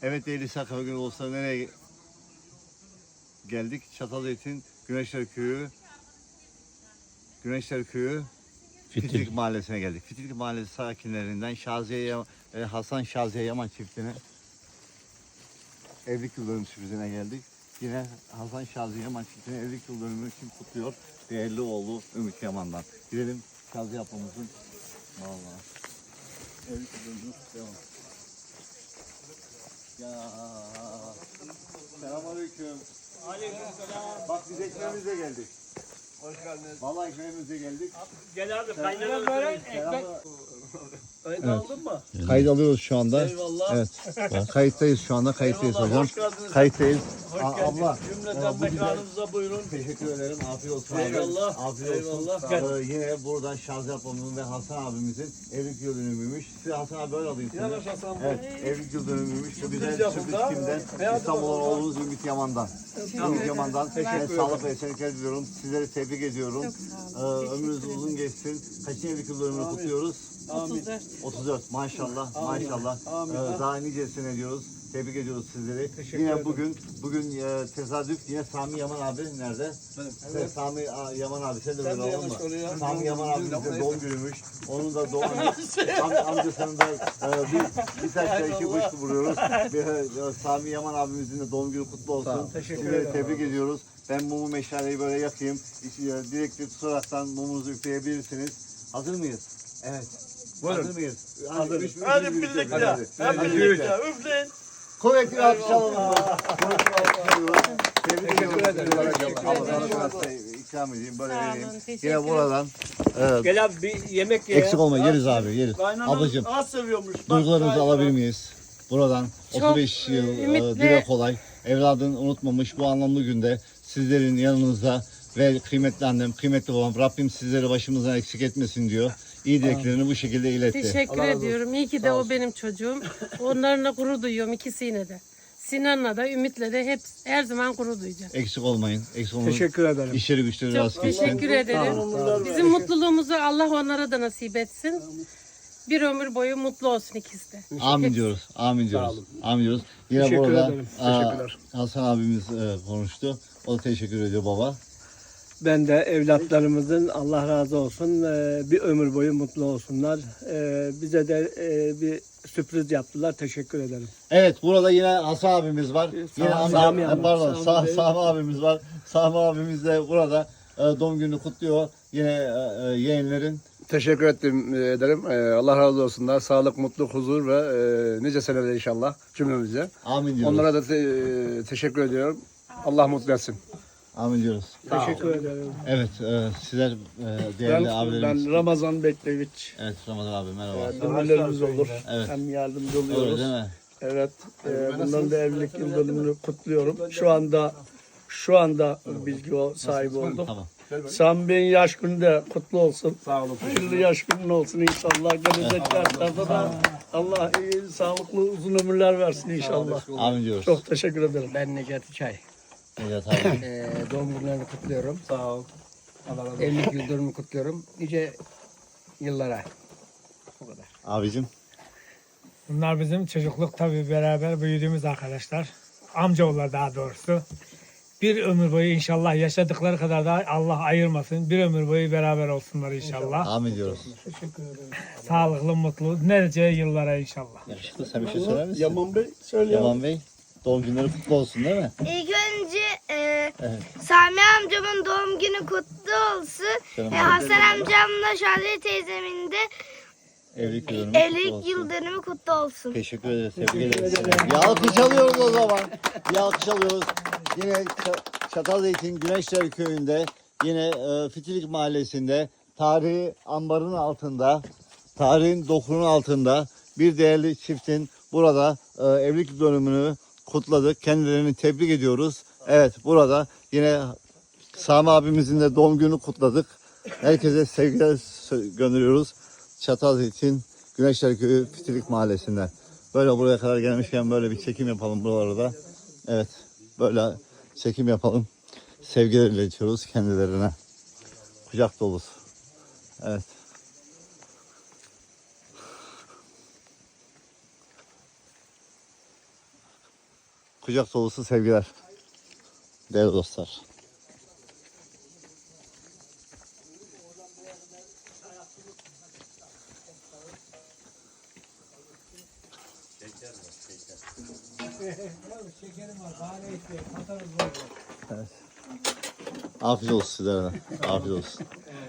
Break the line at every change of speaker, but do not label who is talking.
Evet değerli Sakarya Günü olsa nereye geldik? Çatalzeytin Güneşler Köyü Fitilik Mahallesi'ne geldik. Fitilik Mahallesi sakinlerinden Hasan Şaziye Yaman çiftine evlilik yıl dönümü sürprizine geldik. Yine Hasan Şaziye Yaman çiftine evlilik yıl dönümü için kutluyor. Değerli oğlu Ümit Yaman'dan. Gidelim Şaziye ablamızın. Vallahi. Evlilik yıl dönümü kutlayalım. Ya. Selamünaleyküm.
Aleykümselam.
Bak biz ekmeğimizle geldik.
Hoş geldiniz.
Vallahi ekmeğimizle geldik.
Gel abi kaynana böyle ekmek. Kayıt aldın mı?
Kayıt alıyoruz şu anda.
Eyvallah.
Evet. Kayıttayız şu anda. Kayıttayız
Eyvallah,
hocam.
hoş geldiniz.
Kayıttayız.
Hoş geldiniz.
Abla.
Cümleten
bu güzel-
mekanımıza buyurun.
Teşekkür ederim. Afiyet olsun.
Eyvallah.
Afiyet olsun.
Eyvallah. Gel.
Yine buradan Şaziye ablamın ve Hasan abimizin evlilik yıl dönümüymüş. Size Hasan abi böyle alayım seni.
Yavaş Hasan Bey.
Evet, evlilik yıl dönümüymüş. Bu güzel
Sürpriz
sürpriz
yapıldı.
kimden?
Hadi
İstanbul'un
bakalım.
oğlunuz Ümit Yaman'dan. Ümit Yaman'dan. Ben sağlık ve esenlikler diliyorum. Sizleri tebrik ediyorum. Ömrünüz uzun geçsin. Kaçıncı evlilik yıl dönümünü kutluyoruz?
Amin.
34. Maşallah.
Amin.
Maşallah.
Amin.
Daha nicesine diyoruz. Tebrik ediyoruz sizleri.
Teşekkür
Yine
ederim.
bugün tesadüf yine Sami Yaman abi nerede? Evet. Sami Yaman abi sen de böyle
de
olma.
yanaş oraya.
Sami Yaman abimiz de doğum günümüş. Onun da doğum amcasının da bir taşla iki kuş vuruyoruz. Sami Yaman abimizin de doğum günü kutlu olsun. Sizleri tebrik ediyoruz. Ben mumu meşaleyi böyle yakayım. Direktif tutaraktan mumunuzu üfleyebilirsiniz. Hazır mıyız? Evet. Hazır mıyız?
Hadi birlikte. Hadi birlikte. Üfleyin.
Kuvvetli bir alkış alalım. Kuvvetli bir alkış alalım. Tebrik ediyorum. Allah ikram edeyim. Böyle vereyim. Yine buradan.
Gel abi bir yemek ye.
Eksik olma yeriz abi yeriz.
Kaynanam
Ablacığım
az seviyormuş. Bak,
duygularınızı
kaynana.
alabilir miyiz? Buradan 35 yıl dile kolay. Evladını unutmamış bu anlamlı günde sizlerin yanınızda ve kıymetli annem, kıymetli babam Rabbim sizleri başımızdan eksik etmesin diyor. İyi dileklerini bu şekilde iletti.
Teşekkür ediyorum. İyi ki de o benim çocuğum. Onlarla gurur duyuyorum ikisiyle de. Sinan'la da Ümit'le de hep her zaman gurur duyacağım.
Eksik olmayın. Eksik olmayın.
Teşekkür ederim.
İşleri güçleri
Çok
rast gitsin.
teşekkür ederim. Bizim mutluluğumuzu Allah onlara da nasip etsin. Bir ömür boyu mutlu olsun ikisi de.
Amin diyoruz. Amin diyoruz. Amin diyoruz. Yine
Teşekkür
burada
ederim. Teşekkürler.
Hasan abimiz konuştu. O da teşekkür ediyor baba.
Ben de evlatlarımızın Allah razı olsun bir ömür boyu mutlu olsunlar. Bize de bir sürpriz yaptılar. Teşekkür ederim.
Evet burada yine Hasan abimiz var. Yine amca,
Sami abi.
pardon
Sami Bey.
Sami abimiz var. Sami abimiz de burada doğum gününü kutluyor. Yine yeğenlerin.
Teşekkür ederim. Allah razı olsunlar. Sağlık, mutluluk, huzur ve nice seneler inşallah cümlemize.
Amin diyoruz.
Onlara da teşekkür ediyorum. Allah mutlu etsin.
Amin diyoruz.
Teşekkür ederim.
Evet sizler değerli abilerimiz.
Ben Ramazan Bekleviç.
Evet Ramazan abi merhaba.
Ünlülerimiz olur.
Evet.
Hem yardımcı
Öyle
oluyoruz.
değil mi?
Evet. Bunların da evlilik yıl dönümünü kutluyorum. Şu anda bilgi sahibi oldum.
Tamam.
Sami Bey'in yaş günü de kutlu olsun. Sağ olun. Hayırlı yaş günün olsun inşallah. Gelecek yaşlarda da Allah iyi, sağlıklı, uzun ömürler versin inşallah.
Amin diyoruz.
Çok teşekkür ederim.
Ben Necati Çay.
Evet abi.
Doğum günlerini kutluyorum.
Sağ ol.
Evlilik yıl dönümü kutluyorum. Nice yıllara. Bu kadar.
Abicim.
Bunlar bizim çocukluk tabii beraber büyüdüğümüz arkadaşlar. Amcaoğullar daha doğrusu. Bir ömür boyu inşallah yaşadıkları kadar da Allah ayırmasın. Bir ömür boyu beraber olsunlar inşallah.
Amin diyoruz.
Sağlıklı, mutlu, nice yıllara inşallah.
Yakışıklı sen bir şey söyler misin?
Yaman Bey söyle.
Yaman Bey. Doğum günleri kutlu olsun değil mi?
İlk önce Sami amcamın doğum günü kutlu olsun.
Canım
Hasan amcamla Şadiye teyzemin de
Evlilik yıl dönümü kutlu
evlilik
olsun.
yıl dönümü kutlu olsun.
Teşekkür ederiz. Tebrik ederiz. Bir alkış alıyoruz o zaman. Bir alkış alıyoruz. Yine Çatalzeytin Güneşler Köyü'nde yine Fitilik Mahallesi'nde tarihi ambarın altında, tarihin dokunun altında bir değerli çiftin burada evlilik dönümünü kutladık. Kendilerini tebrik ediyoruz. Evet burada yine Sami abimizin de doğum günü kutladık. Herkese sevgiler gönderiyoruz. Çatalzeytin Güneşler Köyü Fitilik Mahallesi'nden. Böyle buraya kadar gelmişken böyle bir çekim yapalım buralarda. Evet böyle çekim yapalım. Sevgiler iletiyoruz kendilerine. Kucak dolusu. Evet. kucak dolusu sevgiler. Değerli dostlar. Evet. Afiyet olsun sizlere. Afiyet olsun.